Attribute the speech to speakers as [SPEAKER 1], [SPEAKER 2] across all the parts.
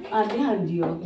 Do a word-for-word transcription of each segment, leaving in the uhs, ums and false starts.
[SPEAKER 1] ਆਂਦੇ ਹਾਂਜੀ ਉਹ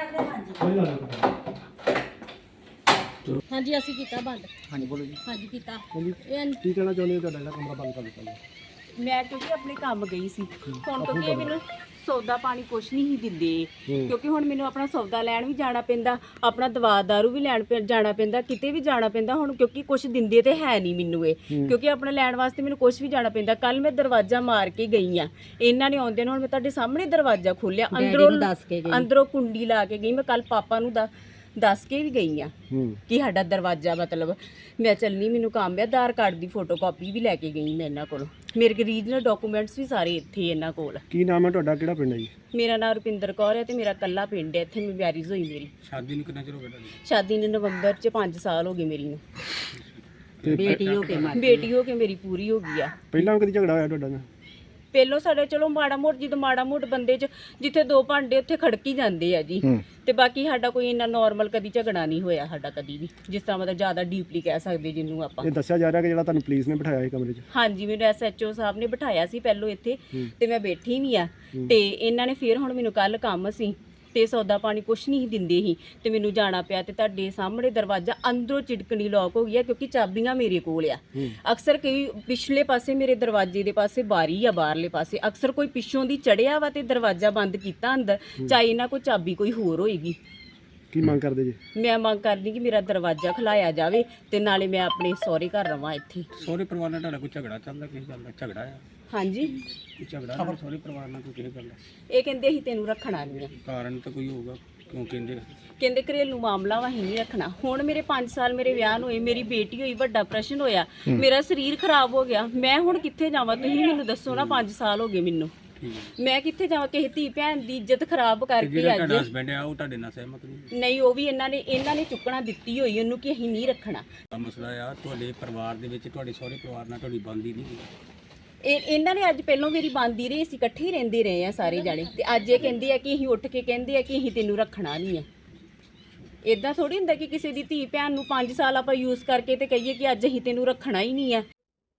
[SPEAKER 2] ਹਾਂਜੀ ਅਸੀਂ ਕੀਤਾ ਬੰਦ।
[SPEAKER 3] ਹਾਂਜੀ ਬੋਲੋ ਜੀ।
[SPEAKER 2] ਹਾਂਜੀ ਕੀਤਾ।
[SPEAKER 3] ਹਾਂਜੀ
[SPEAKER 2] ਇਹ
[SPEAKER 3] ਕੀ ਕਹਿਣਾ ਚਾਹੁੰਦੇ ਹੋ ਤੁਹਾਡਾ ਜਿਹੜਾ ਕਮਰਾ ਬੰਦ ਕਰ ਦਿੱਤਾ ਜੀ?
[SPEAKER 1] ਮੈਂ ਕਿਉਂਕਿ ਆਪਣੇ ਕੰਮ ਗਈ ਸੀ ਹੁਣ ਕਿਉਂਕਿ ਇਹ ਮੈਨੂੰ ਸੌਦਾ ਪਾਣੀ ਕੁਛ ਨਹੀਂ ਸੀ ਦਿੰਦੇ ਕਿਉਂਕਿ ਹੁਣ ਮੈਨੂੰ ਆਪਣਾ ਸੌਦਾ ਲੈਣ ਵੀ ਜਾਣਾ ਪੈਂਦਾ, ਆਪਣਾ ਦਵਾ ਦਾਰੂ ਵੀ ਲੈਣ ਪੈ ਜਾਣਾ ਪੈਂਦਾ, ਕਿਤੇ ਵੀ ਜਾਣਾ ਪੈਂਦਾ ਹੁਣ ਕਿਉਂਕਿ ਕੁਛ ਦਿੰਦੇ ਤੇ ਹੈ ਨਹੀਂ ਮੈਨੂੰ ਇਹ ਕਿਉਂਕਿ ਆਪਣੇ ਲੈਣ ਵਾਸਤੇ ਮੈਨੂੰ ਕੁਛ ਵੀ ਜਾਣਾ ਪੈਂਦਾ। ਕੱਲ ਮੈਂ ਦਰਵਾਜ਼ਾ ਮਾਰ ਕੇ ਗਈ ਆ, ਇਹਨਾਂ ਨੇ ਆਉਂਦੇ ਨੇ ਹੁਣ ਮੈਂ ਤੁਹਾਡੇ ਸਾਹਮਣੇ ਦਰਵਾਜ਼ਾ ਖੋਲਿਆ, ਅੰਦਰੋਂ ਅੰਦਰੋਂ ਕੁੰਡੀ ਲਾ ਕੇ ਗਈ। ਮੈਂ ਕੱਲ ਪਾਪਾ ਨੂੰ ਦਾ ਦੱਸ ਕੇ ਵੀ ਗਈ ਆ ਕਿ ਸਾਡਾ ਦਰਵਾਜ਼ਾ ਮਤਲਬ ਮੈਂ ਚੱਲਣੀ, ਮੈਨੂੰ ਕੰਮ ਹੈ। ਆਧਾਰ ਕਾਰਡ ਦੀ ਫੋਟੋ ਕਾਪੀ ਵੀ ਲੈ ਕੇ ਗਈ ਮੈਂ ਇਹਨਾਂ ਕੋਲ, ਮੇਰੇ ਕੋਲ ਰੀਜਨਲ ਡਾਕੂਮੈਂਟਸ ਵੀ ਸਾਰੇ ਇੱਥੇ ਇਹਨਾਂ ਕੋਲ।
[SPEAKER 3] ਕੀ ਨਾਮ ਹੈ ਤੁਹਾਡਾ, ਕਿਹੜਾ ਪਿੰਡ ਹੈ ਜੀ?
[SPEAKER 1] ਮੇਰਾ ਨਾਮ ਰੁਪਿੰਦਰ ਕੌਰ ਹੈ ਤੇ ਮੇਰਾ ਕੱਲਾ ਪਿੰਡ ਹੈ, ਇੱਥੇ ਮੈਂ ਮੈਰਿਜ ਹੋਈ ਮੇਰੀ।
[SPEAKER 3] ਸ਼ਾਦੀ ਨੂੰ ਕਿੰਨਾ ਚਿਰ ਹੋ ਗਿਆ ਤੁਹਾਡੀ?
[SPEAKER 1] ਸ਼ਾਦੀ ਨੂੰ ਨਵੰਬਰ 'ਚ ਪੰਜ ਸਾਲ ਹੋ ਗਏ ਮੇਰੀ ਨੂੰ।
[SPEAKER 2] ਬੇਟੀ ਹੋ ਕੇ ਮਾਰੀ।
[SPEAKER 1] ਬੇਟੀ ਹੋ ਕੇ ਮੇਰੀ ਪੂਰੀ ਹੋ ਗਈ ਆ।
[SPEAKER 3] ਪਹਿਲਾਂ ਕਦੀ ਝਗੜਾ ਹੋਇਆ ਤੁਹਾਡਾ ਨਾਲ?
[SPEAKER 1] ਪਹਿਲੋਂ ਸਾਡੇ ਚਲੋ ਮਾੜਾ ਮੋਟ ਜਦੋਂ ਮਾੜਾ ਮੋਟ ਬੰਦੇ 'ਚ ਜਿੱਥੇ ਦੋ ਭਾਂਡੇ ਉੱਥੇ ਖੜਕੀ ਜਾਂਦੇ ਆ ਜੀ, ਤੇ ਬਾਕੀ ਸਾਡਾ ਕੋਈ ਇੰਨਾ ਨਾਰਮਲ ਕਦੀ ਝਗੜਾ ਨਹੀਂ ਹੋਇਆ ਸਾਡਾ ਕਦੀ ਵੀ, ਜਿਸ ਤਰ੍ਹਾਂ ਮਤਲਬ ਜ਼ਿਆਦਾ ਡੀਪਲੀ ਕਹਿ ਸਕਦੇ ਜਿਹਨੂੰ ਆਪਾਂ।
[SPEAKER 3] ਇਹ ਦੱਸਿਆ ਜਾ ਰਿਹਾ ਕਿ ਜਿਹੜਾ ਤੁਹਾਨੂੰ ਪੁਲਿਸ ਨੇ ਬਿਠਾਇਆ ਸੀ ਕਮਰੇ 'ਚ?
[SPEAKER 1] ਹਾਂਜੀ ਮੈਨੂੰ ਐਸ ਐਚ ਓ ਸਾਹਿਬ ਨੇ ਬਿਠਾਇਆ ਸੀ ਪਹਿਲੋਂ ਇੱਥੇ ਤੇ ਮੈਂ ਬੈਠੀ ਵੀ ਆ, ਤੇ ਇਹਨਾਂ ਨੇ ਫਿਰ ਹੁਣ ਮੈਨੂੰ ਕੱਲ ਕੰਮ ਸੀ ਤੇ ਸੌਦਾ ਪਾਣੀ ਕੁਛ ਨਹੀਂ ਦਿੰਦੇ ਸੀ ਤੇ ਮੈਨੂੰ ਜਾਣਾ ਪਿਆ ਤੇ ਤੁਹਾਡੇ ਸਾਹਮਣੇ ਦਰਵਾਜ਼ਾ ਅੰਦਰੋਂ ਚਿੜਕਣੀ ਲੌਕ ਹੋ ਗਿਆ ਕਿਉਂਕਿ ਚਾਬੀਆਂ ਮੇਰੇ ਕੋਲ ਆ। ਅਕਸਰ ਕਈ ਪਿਛਲੇ ਪਾਸੇ ਮੇਰੇ ਦਰਵਾਜ਼ੇ ਦੇ ਪਾਸੇ ਬਾਰੀ ਆ, ਬਾਹਰਲੇ ਪਾਸੇ ਅਕਸਰ ਕੋਈ ਪਿੱਛੋਂ ਦੀ ਚੜਿਆ ਵਾ ਤੇ ਦਰਵਾਜ਼ਾ ਬੰਦ ਕੀਤਾ ਅੰਦਰ, ਚਾਹੇ ਇਹਨਾਂ ਕੋਈ ਚਾਬੀ ਕੋਈ ਹੋਰ ਹੋਏਗੀ।
[SPEAKER 3] ਕੀ ਮੰਗ ਕਰਦੇ ਜੀ?
[SPEAKER 1] ਮੈਂ ਮੰਗ ਕਰਦੀ ਕਿ ਮੇਰਾ ਦਰਵਾਜ਼ਾ ਖੁਲਾਇਆ ਜਾਵੇ ਤੇ ਨਾਲੇ ਮੈਂ ਆਪਣੇ ਸਹੁਰੇ ਘਰ ਰਵਾਂ ਇੱਥੇ।
[SPEAKER 3] ਸਹੁਰੇ ਪਰਿਵਾਰ ਨਾਲ ਤੁਹਾਡਾ ਕੋਈ ਝਗੜਾ ਚੱਲਦਾ, ਕਿਸੇ ਗੱਲ ਦਾ ਝਗੜਾ ਆ?
[SPEAKER 1] ਹਾਂਜੀ
[SPEAKER 3] ਕੋਈ ਝਗੜਾ ਹੈ ਸਹੁਰੇ ਪਰਿਵਾਰ ਨਾਲ ਕੋਈ ਕਿਸੇ ਗੱਲ ਦਾ?
[SPEAKER 1] ਇਹ ਕਹਿੰਦੇ ਅਸੀਂ ਤੈਨੂੰ ਰੱਖਣਾ ਨਹੀਂ ਆ।
[SPEAKER 3] ਕਾਰਨ ਤਾਂ ਕੋਈ ਹੋਊਗਾ ਕਿਉਂ ਕਹਿੰਦੇ?
[SPEAKER 1] ਕਹਿੰਦੇ ਘਰੇਲੂ ਮਾਮਲਾ ਵਾ, ਅਸੀਂ ਨਹੀਂ ਰੱਖਣਾ। ਹੁਣ ਮੇਰੇ ਪੰਜ ਸਾਲ ਮੇਰੇ ਵਿਆਹ ਨੂੰ ਹੋਏ, ਮੇਰੀ ਬੇਟੀ ਹੋਈ, ਵੱਡਾ ਆਪਰੇਸ਼ਨ ਹੋਇਆ, ਮੇਰਾ ਸਰੀਰ ਖਰਾਬ ਹੋ ਗਿਆ, ਮੈਂ ਹੁਣ ਕਿੱਥੇ ਜਾਵਾਂ? ਤੁਸੀਂ ਮੈਨੂੰ ਦੱਸੋ ਨਾ, ਪੰਜ ਸਾਲ ਹੋ ਗਏ ਮੈਨੂੰ, ਮੈਂ ਕਿੱਥੇ ਜਾਵਾਂ? ਕਿਸੇ ਧੀ ਭੈਣ ਦੀ ਇੱਜ਼ਤ ਖਰਾਬ ਕਰਕੇ ਅੱਜ।
[SPEAKER 3] ਤੁਹਾਡਾ ਹਸਬੈਂਡ ਆ ਉਹ ਤੁਹਾਡੇ ਨਾਲ ਸਹਿਮਤ ਨਹੀਂ?
[SPEAKER 1] ਨਹੀਂ, ਉਹ ਵੀ ਇਹਨਾਂ ਨੇ ਇਹਨਾਂ ਨੇ ਚੁੱਕਣਾ ਦਿੱਤੀ ਹੋਈ ਉਹਨੂੰ ਕਿ ਅਸੀਂ ਨਹੀਂ ਰੱਖਣਾ।
[SPEAKER 3] ਮਸਲਾ ਆ ਤੁਹਾਡੇ ਪਰਿਵਾਰ ਦੇ ਵਿੱਚ, ਤੁਹਾਡੇ ਸਹੁਰੇ ਪਰਿਵਾਰ ਨਾਲ ਤੁਹਾਡੀ ਬਣਦੀ ਨਹੀਂ?
[SPEAKER 1] ਇਹ ਇਹਨਾਂ ਨੇ ਅੱਜ ਪਹਿਲੋਂ ਮੇਰੀ ਬੰਦੀ ਰਹੀ, ਅਸੀਂ ਇਕੱਠੇ ਹੀ ਰਹਿੰਦੇ ਰਹੇ ਆ ਸਾਰੇ ਜਾਣੇ, ਤੇ ਅੱਜ ਇਹ ਕਹਿੰਦੇ ਆ ਕਿ ਅਸੀਂ ਉੱਠ ਕੇ ਕਹਿੰਦੇ ਆ ਕਿ ਅਸੀਂ ਤੈਨੂੰ ਰੱਖਣਾ ਨਹੀਂ ਆ। ਇਦਾਂ ਥੋੜੀ ਹੁੰਦਾ ਕਿ ਕਿਸੇ ਦੀ ਧੀ ਭੈਣ ਨੂੰ ਪੰਜ ਸਾਲ ਆਪਾਂ ਯੂਜ਼ ਕਰਕੇ ਤੇ ਕਹੀਏ ਕਿ ਅੱਜ ਅਸੀਂ ਤੈਨੂੰ ਰੱਖਣਾ ਹੀ ਨਹੀਂ ਆ।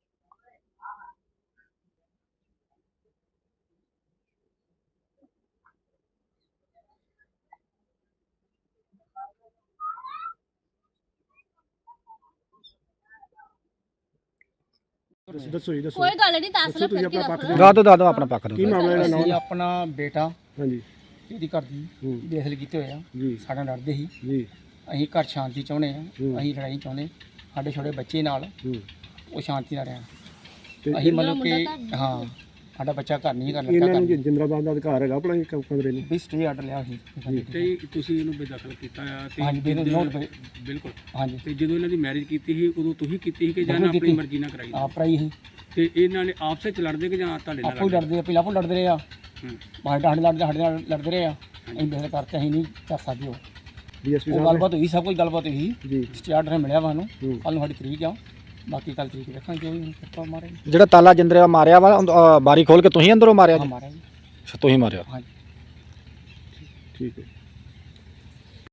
[SPEAKER 3] ਦੱਸੋ ਜੀ, ਦੱਸੋ।
[SPEAKER 2] ਕੋਈ ਗੱਲ ਨਹੀਂ, ਦੱਸ ਲੈ ਫਿਰ ਕੀ
[SPEAKER 3] ਗਾ ਦੋ ਦਾਦੋ ਆਪਣਾ ਪੱਖ ਦੋ। ਕੀ ਮਾਮਲਾ ਜਿਹੜਾ
[SPEAKER 4] ਅਸੀਂ ਆਪਣਾ ਬੇਟਾ
[SPEAKER 3] ਹਾਂਜੀ
[SPEAKER 4] ਇਹਦੀ ਘਰ ਦੀ ਬੇਦਖਲ ਕੀਤੇ ਹੋਏ ਆ
[SPEAKER 3] ਜੀ,
[SPEAKER 4] ਸਾਡਾ ਲੜਦੇ ਸੀ
[SPEAKER 3] ਜੀ,
[SPEAKER 4] ਅਸੀਂ ਘਰ ਸ਼ਾਂਤੀ ਚਾਹੁੰਦੇ ਆ, ਅਸੀਂ ਲੜਾਈ ਚਾਹੁੰਦੇ। ਸਾਡੇ ਛੋਟੇ ਬੱਚੇ ਨਾਲ ਉਹ ਸ਼ਾਂਤੀ ਨਾਲ ਰਹਿਣ, ਅਸੀਂ ਮਤਲਬ ਕਿ ਹਾਂ ਸਾਡਾ ਬੱਚਾ ਘਰ ਨਹੀਂ ਕਰ
[SPEAKER 3] ਇਹਨਾਂ ਨੂੰ ਜਿੰਦਰਾਬਾਦ ਦਾ ਅਧਿਕਾਰ ਹੈਗਾ ਆਪਣਾ ਇੱਕ ਕਮਰੇ ਨੂੰ
[SPEAKER 4] ਵੀ ਸਟੇ ਆਰਡਰ ਲਿਆ ਸੀ
[SPEAKER 3] ਤੇ ਤੁਸੀਂ ਇਹਨੂੰ ਬੇਦਖਲ ਕੀਤਾ ਆ ਤੇ
[SPEAKER 4] ਹਾਂਜੀ
[SPEAKER 3] ਬਿਲਕੁਲ
[SPEAKER 4] ਹਾਂਜੀ।
[SPEAKER 3] ਤੇ ਜਦੋਂ ਇਹਨਾਂ ਦੀ ਮੈਰਿਜ ਕੀਤੀ ਸੀ ਉਦੋਂ ਤੁਸੀਂ ਕੀਤੀ ਸੀ ਕਿ ਜਾਂ ਆਪਣੀ ਮਰਜ਼ੀ ਨਾਲ ਕਰਾਈ?
[SPEAKER 4] ਆਪ ਰਾਈ ਸੀ
[SPEAKER 3] ਤੇ ਇਹਨਾਂ ਨੇ ਆਪਸੇ ਚ ਲੜਦੇ ਕਿ ਜਾਂ ਤੁਹਾਡੇ ਨਾਲ?
[SPEAKER 4] ਆਪੋ ਲੜਦੇ, ਪਹਿਲਾਂ ਆਪੋ ਲੜਦੇ ਰਹੇ ਆ, ਸਾਡੇ ਨਾਲ ਲੜਦੇ ਸਾਡੇ ਨਾਲ ਲੜਦੇ ਰਹੇ ਆ, ਅਸੀਂ ਬੇਦਖਲ ਕਰਤੇ, ਅਸੀਂ ਨਹੀਂ ਕਰ ਸਕਦੇ। ਉਹ
[SPEAKER 3] ਡੀਐਸਪੀ
[SPEAKER 4] ਉਹ ਗੱਲਬਾਤ ਹੋਈ, ਸਭ ਕੁਝ ਗੱਲਬਾਤ ਹੋਈ
[SPEAKER 3] ਜੀ,
[SPEAKER 4] ਸਟੇ ਆਰਡਰ ਮਿਲਿਆ ਵਾ ਸਾਨੂੰ, ਕੱਲ ਨੂੰ ਸਾਡੀ ਤਰੀਕ ਆ, ਬਾਕੀ ਕੱਲ ਤਰੀਕ ਦੇਖਾਂਗੇ। ਉਹ ਸੱਪਾ ਮਾਰੇ
[SPEAKER 5] ਜਿਹੜਾ ਤਾਲਾ ਜਿੰਦਰਾ ਮਾਰਿਆ ਵਾ ਬਾਰੀ ਖੋਲ ਕੇ ਤੁਸੀਂ ਅੰਦਰੋਂ ਮਾਰਿਆ?
[SPEAKER 4] ਮਾਰਿਆ ਜੀ,
[SPEAKER 5] ਤੁਸੀਂ ਮਾਰਿਆ?
[SPEAKER 4] ਹਾਂਜੀ
[SPEAKER 3] ਠੀਕ ਹੈ।